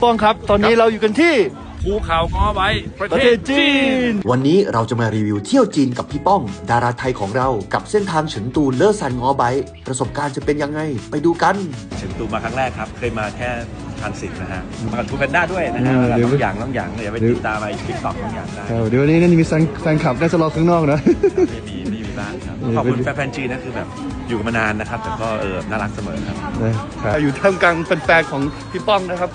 ป้องครับตอนนี้เราอยู่กันที่ภูเขาง้อไว้ประเทศจีนวันนี้เราจะมารีวิวเที่ยวจีนกับพี่ป้องดาราไทยของเรากับเส้นทางเฉินตูเลอซันง้อไบประสบการณ์จะเป็นยังไงไปดูกันเฉินตูมาครั้งแรกครับเคยมาแค่10นะฮะมากับทูแพนด้าด้วยนะฮะน้องอย่างเดี๋ยวไปติดตามไปติ๊กต็อกน้องอย่างได้เดี๋ยววันนี้น่าจะมีแฟนคลับน่าจะรอข้างนอกนะมีบ้างครับขอบคุณแฟนจีนนะคือแบบอยู่กันมานานนะครับแต่ก็น่ารักเสมอครับอยู่ท่ามกลางแฟนๆของพี่ป้องนะครับ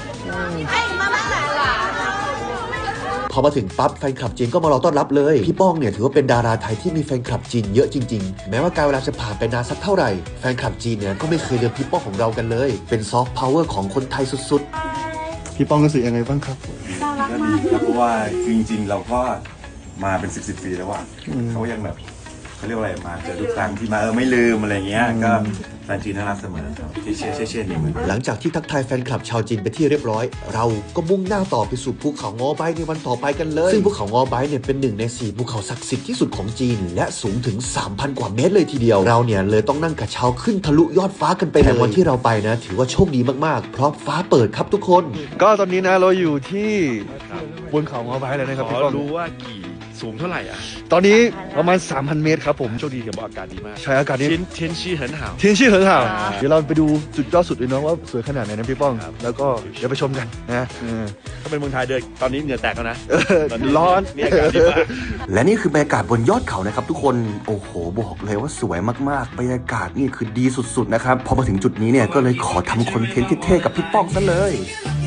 พอมาถึงปั๊บแฟนคลับจีนก็มารอต้อนรับเลยพี่ป้องเนี่ยถือว่าเป็นดาราไทยที่มีแฟนคลับจีนเยอะจริงๆแม้ว่าการเวลาจะผ่านไปนานสักเท่าไหร่แฟนคลับจีนเนี่ยก็ไม่เคยลืมพี่ป้องของเรากันเลยเป็นซอฟต์พาวเวอร์ของคนไทยสุดๆพี่ป้องรู้สึกยังไงบ้างครับก็ดีครับเพราะว่าจริงๆเราก็มาเป็น10 ปีแล้วว่าเขายังแบบเขาเรียกว่าอะไรมาเจอทุกครั้งที่มาไม่ลืมอะไรเงี้ยก็แฟนจีนน่ารักเสมอครับเช่นนี่เหมือนหลังจากที่ทักทายแฟนคลับชาวจีนไปที่เรียบร้อยเราก็มุ่งหน้าต่อไปสู่ภูเขาง้อไบในวันต่อไปกันเลยซึ่งภูเขาง้อไบเนี่ยเป็น1 ใน 4ภูเขาศักดิ์สิทธิ์ที่สุดของจีนและสูงถึง 3,000 กว่าเมตรเลยทีเดียวเราเนี่ยเลยต้องนั่งกระเช้าขึ้นทะลุยอดฟ้ากันไปเลยวันที่เราไปนะถือว่าโชคดีมากๆเพราะฟ้าเปิดครับทุกคนก็ตอนนี้นะเราอยู่ที่บนเขาง้อไบเลยนะครับพี่ป้องรู้ว่าสูงเท่าไหร่อ่ะตอนนี้ประมาณ 3,000 เมตรครับผมโชคดีกับอากาศดีมากใช่อากาศนี้เทียนชี่เหินห่าวเดี๋ยวเราไปดูจุดยอดสุดเลยเนาะว่าสวยขนาดไหนนะพี่ป้องแล้วก็เดี๋ยวไปชมกันนะถ้าเป็นเมืองไทยเดินตอนนี้เหงื่อแตกแล้วนะร้อนนี่อากาศดีมากและนี่คือบรรยากาศบนยอดเขานะครับทุกคนโอ้โหบอกเลยว่าสวยมากๆบรรยากาศนี่คือดีสุดๆนะครับพอมาถึงจุดนี้เนี่ยก็เลยขอทำคอนเทนต์เท่ๆกับพี่ป้องซะเลย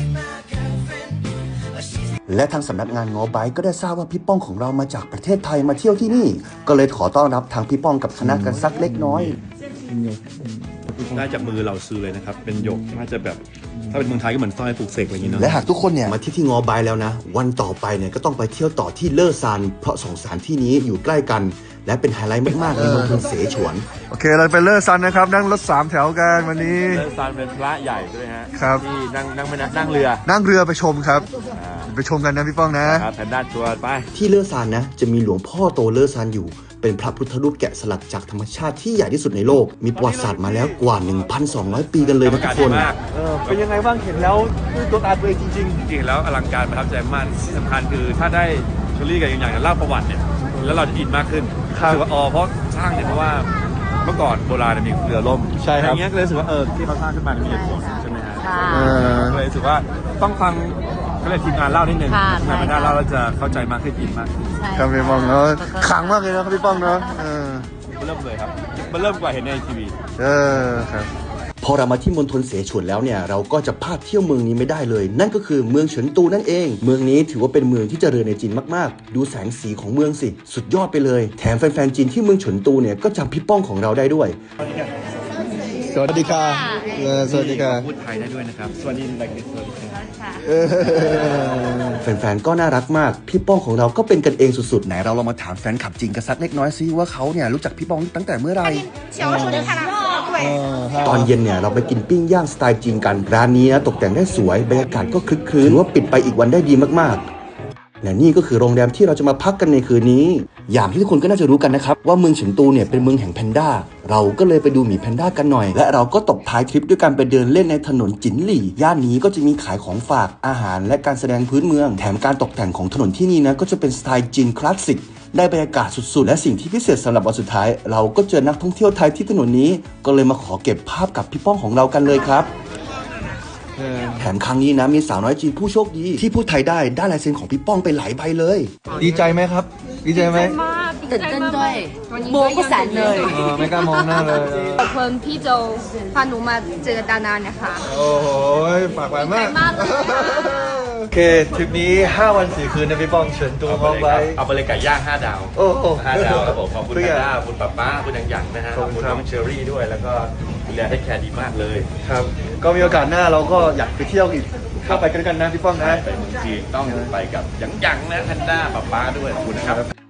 และทางสำนักงานง้อไบก็ได้ทราบว่าพี่ป้องของเรามาจากประเทศไทยมาเที่ยวที่นี่ก็เลยขอต้อนรับทางพี่ป้องกับคณะกันสักเล็กน้อยได้จากมือเราซื้อเลยนะครับเป็นหยกน่าจะแบบถ้าเป็นเมืองไทยก็เหมือนสร้อยปลูกเสกอะไรอย่างเงี้ยเนาะและหากทุกคนเนี่ยมาที่ง้อไบแล้วนะวันต่อไปเนี่ยก็ต้องไปเที่ยวต่อที่เลอซานเพราะ2 สถานที่นี้อยู่ใกล้กันและเป็นไฮไลท์มากๆในมณฑลเสฉวนโอเคเราไปเลอซานนะครับนั่งรถ3 แถวกันวันนี้เลอซานเป็นพระใหญ่ด้วยฮะครับที่นั่งเรือไปชมครับไปชมกันนะพี่ป้องนะครับแผนด้านตัวไปที่เลอซานนะจะมีหลวงพ่อโตเลอซานอยู่เป็นพระพุทธรูปแกะสลักจากธรรมชาติที่ใหญ่ที่สุดในโลกมีประวัติศาสตร์มาแล้วกว่า 1,200 ปีกันเลยนะทุกคนเป็นยังไงบ้างเห็นแล้วตัวตาตัวเองจริงแล้วอลังการประทับใจมากที่สำคัญคือถ้าได้เชอรี่กับอย่างเล่าประวัติเนี่ยแล้วเราจะอินมากขึ้นรู้สึกว่าเพราะสร้างเนี่ยเพราะว่าเมื่อก่อนโบราณมีเรือล่มใช่ครับอย่างเงี้ยก็เลยรู้สึกว่าที่เขาสร้างขึ้นมามีเหตุผลใช่ไหมฮะก็เลยรู้สึกว่าต้องฟังก็เลยทีมงานเล่านิดนึงทีมงานเล่าเราจะเข้าใจมากขึ้นอินมากขึ้นครับพี่ป้องเนาะขังมากเลยนะครับพี่ป้องเนาะเริ่มเลยครับมันเริ่มกว่าเห็นในทีวีครับพอเรามาที่มณฑลเสฉวนแล้วเนี่ยเราก็จะพลาดเที่ยวเมืองนี้ไม่ได้เลยนั่นก็คือเมืองเฉินตูนั่นเองเมืองนี้ถือว่าเป็นเมืองที่เจริญในจีนมากๆดูแสงสีของเมืองสิสุดยอดไปเลยแถมแฟนๆจีนที่เมืองเฉินตูเนี่ยก็จำพี่ป้องของเราได้ด้วยสวัสดีค่ะสวัสดีค่ะพูดไทยได้ด้วยนะครับสวัสดีอะไรกันสวัสดีค่ะแฟนๆก็น่ารักมากพี่ป้องของเราก็เป็นกันเองสุดๆไหนเราลองมาถามแฟนคลับจีนกันสักเล็กน้อยซิว่าเขาเนี่ยรู้จักพี่ป้องตั้งแต่เมื่อไหร่ตอนเย็นเนี่ยเราไปกินปิ้งย่างสไตล์จีนกันร้านนี้นะตกแต่งได้สวยบรรยากาศก็คลึกคลื้นถือว่าปิดไปอีกวันได้ดีมากๆและนี่ก็คือโรงแรมที่เราจะมาพักกันในคืนนี้อย่างที่ทุกคนก็น่าจะรู้กันนะครับว่าเมืองเฉินตูเนี่ยเป็นเมืองแห่งแพนด้าเราก็เลยไปดูหมีแพนด้ากันหน่อยและเราก็ตบท้ายทริปด้วยการไปเดินเล่นในถนนจินหลี่ย่านนี้ก็จะมีขายของฝากอาหารและการแสดงพื้นเมืองแถมการตกแต่งของถนนที่นี่นะก็จะเป็นสไตล์จีนคลาสสิกได้บรรยากาศสุดๆและสิ่งที่พิเศษสำหรับวันสุดท้ายเราก็เจอนักท่องเที่ยวไทยที่ถนนนี้ก็เลยมาขอเก็บภาพกับพี่ป้องของเรากันเลยครับแถมครั้งนี้นะมีสาวน้อยจีนผู้โชคดีที่พูดไทยได้ลายเซ็นของพี่ป้องไปหลายใบเลยดีใจไหมครับดีใจไหมตื่นเต้นด้วยโมก็แสนเลยไม่กล้ามองหน้าเลยขอบคุณพี่โจพาหนูมาเจอดานานะคะโอ้โหฝากไว้มากโอเคทริปนี้5 วัน 4 คืนนะพี่ป้องเฉินตูง้อไบเอาไปเลยไก่ย่าง5 ดาวโอ้โห 5 ดาวครับผมขอบคุณด้าคุณป้าคุณยังนะฮะขอบคุณน้องเชอรี่ด้วยแล้วก็ดูแลได้แคร์ดีมากเลยครับก็มีโอกาสหน้าเราก็อยากไปเที่ยวอีกเข้าไปกันนะพี่ป้องนะไปเมืองจีนต้องไปกับยังนะแพนด้าป้าด้วยขอบคุณนะครับ